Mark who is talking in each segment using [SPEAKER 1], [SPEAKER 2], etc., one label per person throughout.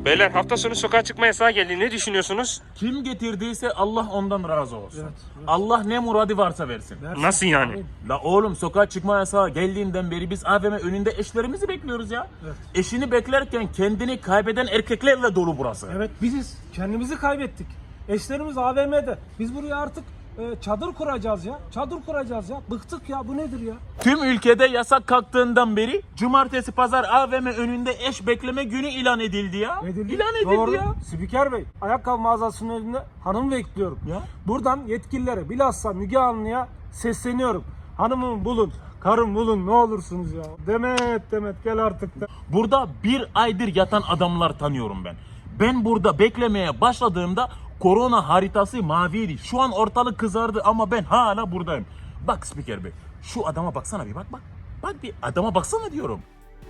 [SPEAKER 1] Beyler hafta sonu sokağa çıkma yasağı geldi. Ne düşünüyorsunuz?
[SPEAKER 2] Kim getirdiyse Allah ondan razı olsun.
[SPEAKER 3] Evet.
[SPEAKER 2] Allah ne muradı varsa versin.
[SPEAKER 1] Nasıl yani?
[SPEAKER 2] La oğlum sokağa çıkma yasağı geldiğinden beri biz AVM önünde eşlerimizi bekliyoruz ya.
[SPEAKER 3] Evet.
[SPEAKER 2] Eşini beklerken kendini kaybeden erkeklerle dolu burası.
[SPEAKER 3] Evet, biziz. Kendimizi kaybettik. Eşlerimiz AVM'de. Biz buraya artık çadır kuracağız ya. Çadır kuracağız ya. Bıktık ya. Bu nedir ya?
[SPEAKER 2] Tüm ülkede yasak kalktığından beri cumartesi pazar AVM önünde eş bekleme günü ilan edildi ya. İlan edildi
[SPEAKER 3] Doğru.
[SPEAKER 2] ya.
[SPEAKER 3] Spiker Bey, ayakkabı mağazasının önünde hanım bekliyorum.
[SPEAKER 2] Ya.
[SPEAKER 3] Buradan yetkililere, bilhassa Müge Anlı'ya sesleniyorum. Hanımımı bulun, karım bulun, ne olursunuz ya. Demet gel artık da.
[SPEAKER 2] Burada bir aydır yatan adamlar tanıyorum ben. Ben burada beklemeye başladığımda korona haritası maviydi. Şu an ortalık kızardı ama ben hala buradayım. Bak Spiker Bey, şu adama baksana bir bak. Bak bir adama baksana diyorum.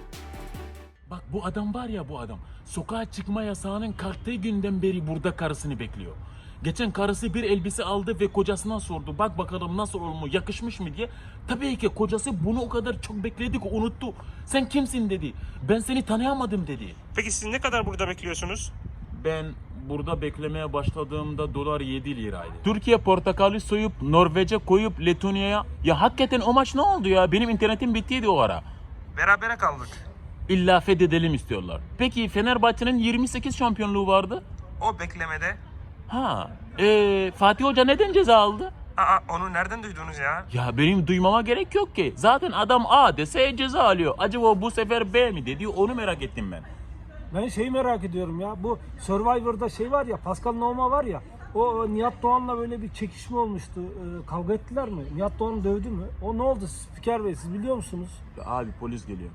[SPEAKER 2] Bak bu adam var ya bu adam. Sokağa çıkma yasağının kalktığı günden beri burada karısını bekliyor. Geçen karısı bir elbise aldı ve kocasına sordu. Bak bakalım nasıl olmuş, yakışmış mı diye. Tabii ki kocası bunu o kadar çok bekledi ki unuttu. Sen kimsin dedi. Ben seni tanıyamadım dedi.
[SPEAKER 1] Peki siz ne kadar burada bekliyorsunuz?
[SPEAKER 2] Ben burada beklemeye başladığımda dolar 7 liraydı. Türkiye portakalı soyup Norveç'e koyup Letonya'ya. Ya hakikaten o maç ne oldu ya? Benim internetim bittiydi o ara.
[SPEAKER 1] Berabere kaldık.
[SPEAKER 2] İlla fethedelim istiyorlar. Peki Fenerbahçe'nin 28 şampiyonluğu vardı.
[SPEAKER 1] O beklemede.
[SPEAKER 2] Ha, Fatih Hoca neden ceza aldı?
[SPEAKER 1] Onu nereden duydunuz ya?
[SPEAKER 2] Ya benim duymama gerek yok ki. Zaten adam A dese ceza alıyor. Acaba bu sefer B mi dedi? Onu merak ettim ben.
[SPEAKER 3] Ben şeyi merak ediyorum ya. Bu Survivor'da şey var ya, Pascal Nohma var ya. O Nihat Doğan'la böyle bir çekişme olmuştu. Kavga ettiler mi? Nihat Doğan dövdü mü? O ne oldu Spiker Bey, siz biliyor musunuz?
[SPEAKER 2] Ya abi polis geliyor.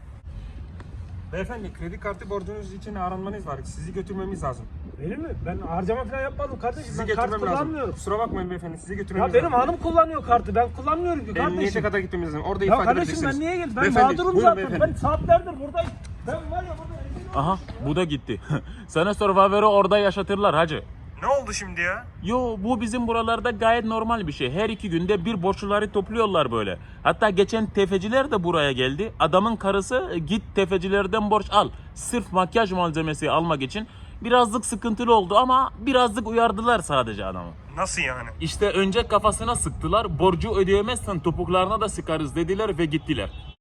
[SPEAKER 4] Beyefendi, kredi kartı borcunuz için aranmanız var. Sizi götürmemiz lazım.
[SPEAKER 3] Benim mi? Ben harcama falan yapmadım kardeşim.
[SPEAKER 4] Sizi
[SPEAKER 3] Ben kart
[SPEAKER 4] götürmem lazım.
[SPEAKER 3] kullanmıyorum.
[SPEAKER 4] Kusura bakmayın beyefendi, sizi
[SPEAKER 3] Ya
[SPEAKER 4] götürmemiz
[SPEAKER 3] benim
[SPEAKER 4] lazım.
[SPEAKER 3] hanım kullanıyor kartı. Ben kullanmıyorum ki
[SPEAKER 4] Emniyete
[SPEAKER 3] kardeşim.
[SPEAKER 4] kadar gitmemiz lazım. Orada
[SPEAKER 3] Ya
[SPEAKER 4] ifade
[SPEAKER 3] kardeşim
[SPEAKER 4] edeceksiniz.
[SPEAKER 3] ben niye geldim? Ben
[SPEAKER 4] Beyefendi,
[SPEAKER 3] mağdurum
[SPEAKER 4] buyurun
[SPEAKER 3] zaten.
[SPEAKER 4] beyefendi.
[SPEAKER 3] Ben saatlerdir buradayım. Ben var ya burada rezil oldum.
[SPEAKER 2] Aha bu da gitti. Sana Survivor'ı orada yaşatırlar hacı.
[SPEAKER 1] Ne oldu şimdi ya?
[SPEAKER 2] Yo bu bizim buralarda gayet normal bir şey. Her 2 günde bir borçluları topluyorlar böyle. Hatta geçen tefeciler de buraya geldi. Adamın karısı git tefecilerden borç al. Sırf makyaj malzemesi almak için. Birazcık sıkıntılı oldu ama birazcık uyardılar sadece adamı.
[SPEAKER 1] Nasıl yani?
[SPEAKER 2] İşte önce kafasına sıktılar. Borcu ödeyemezsen topuklarına da sıkarız dediler ve gittiler.